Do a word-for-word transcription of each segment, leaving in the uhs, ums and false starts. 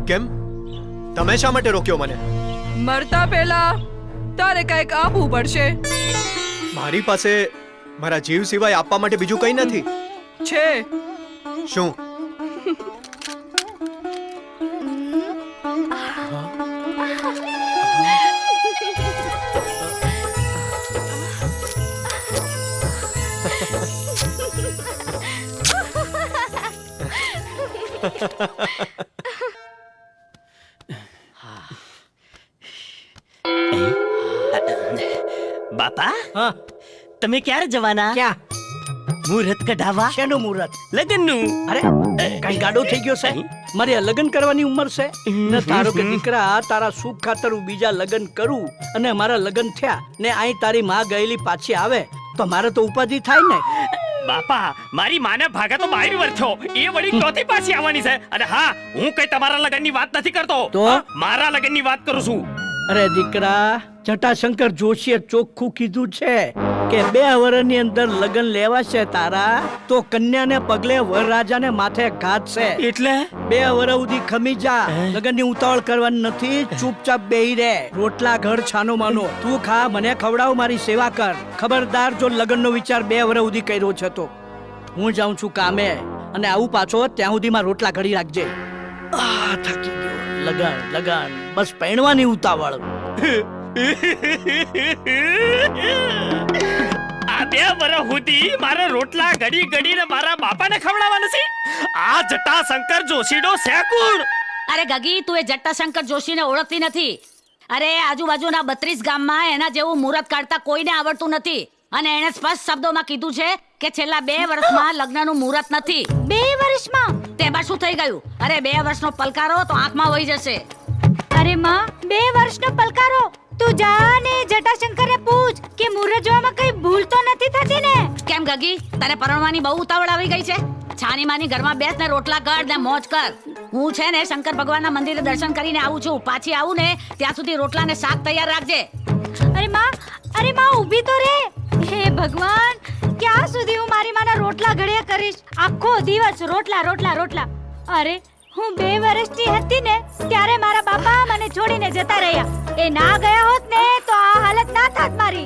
કેમ? તમે શા માટે રોક્યો મને? મરતા પહેલા તારે કંઈક આપવું પડશે. મારી પાસે મારા જીવ સિવાય આપવા માટે બીજું કંઈ નથી. છે. શું? બાપા, હા, તમે ક્યારે જવાના? ક્યાં? મુહૂર્ત કઢાવવા? શેનું મુહૂર્ત? લગ્નનું. અરે કઈ ગાડો થઈ ગયો છે? મારે લગ્ન કરવાની ઉંમર છે ને તારો કે દીકરા તારા સુખ ખાતર હું બીજા લગ્ન કરું અને મારા લગ્ન થયા ને અહીં તારી માં ગયેલી પાછી આવે તો મારે તો ઉપાધિ થાય ને. બાપા, મારી માને ભાગે તો બાર વર્ષ થયો, એ વળી ચોથી પાછી આવવાની છે. અને હા, હું કઈ તમારા લગ્નની વાત નથી કરતો, તો? મારા લગ્નની વાત કરું છું. અરે દીકરા, જટાશંકર જોશીએ ચોખ્ખું કીધું છે કે બે વર્ષની અંદર લગ્ન લેવાશે તારા તો કન્યાને પગલે વરરાજાને માથે ઘાત છે. એટલે બે વર્ષ સુધી ખમી જા. લગ્નની ઉતાવળ કરવાની નથી, ચૂપચાપ બેહી રહે. રોટલા ઘર છાનો માનો, તું ખા, મને ખવડાવ, મારી સેવા કર. ખબરદાર જો લગ્નનો વિચાર બે વર્ષ સુધી કર્યો છે તો હું જાઉં છું કામે અને આવું પાછો ત્યાં સુધીમાં રોટલા ઘડી રાખજે. આ થાકી ગયો. લગન લગન બસ પહેણવાની ઉતાવળ. આ બે વર્ષ સુધી મારા રોટલા ઘડી ઘડીને મારા બાપાને ખવડાવવાના છે. આ જટાશંકર જોશીનો શેકુણ. અરે ગગી, તું એ જટ્ટાશંકર જોશીને ઓળખતી નથી. અરે આજુબાજુના બત્રીસ ગામમાં એના જેવું મુહૂર્ત કાઢતા કોઈને આવડતું નથી. અને એણે સ્પષ્ટ શબ્દોમાં કીધું છે કે છેલ્લા બે વર્ષમાં લગ્નનું મુહૂર્ત નથી. બે વર્ષમાં? તેમાં શું થઈ ગયું? અરે બે વર્ષનો પલકારો તો આંખમાં વહી જશે. અરે માં, બે વર્ષનો પલકારો? તું જા ને જટાશંકરને પૂછ કે મુહૂર્ત જોવામાં કઈ ભૂલ તો નથી થતી ને. કેમ ગગી, તને પરણવાની બહુ ઉતાવળ આવી ગઈ છે? છાની માની ઘરમાં બેસ ને રોટલા કર ને મોજ કર. હું છે ને શંકર ભગવાનના મંદિરે દર્શન કરીને આવું છું. પાછી આવું ને ત્યાં સુધી રોટલા ને શાક તૈયાર રાખજે. અરે માં, અરે માં ઊભી તો રે. હે ભગવાન, ક્યાં સુધી હું મારી માના રોટલા ઘડ્યા કરીશ? આખો દિવસ રોટલા રોટલા રોટલા. અરે હું બે વર્ષની હતી ને ત્યારે મારા બાપા મને છોડીને જતા રહ્યા. એ ના ગયા હોત ને તો આ હાલત ના થાત મારી.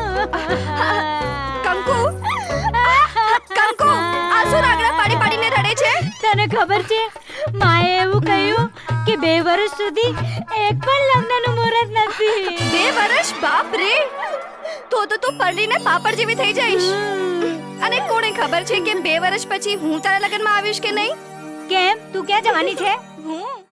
કંકુ, કંકુ, આ શું રાગડા પાડી પાડીને રડે છે? તને ખબર છે, માએ એવું કહ્યું કે બે વર્ષ સુધી એક પણ લગ્નનું મુહૂર્ત નથી. બે વર્ષ? બાપ રે! તો તો તું પરણીને પાપડ જેવી થઈ જઈશ. અને કોને ખબર છે કે બે વર્ષ પછી હું તારા લગ્નમાં આવીશ કે નહીં? કેમ, તું ક્યાં જવાની છે? હું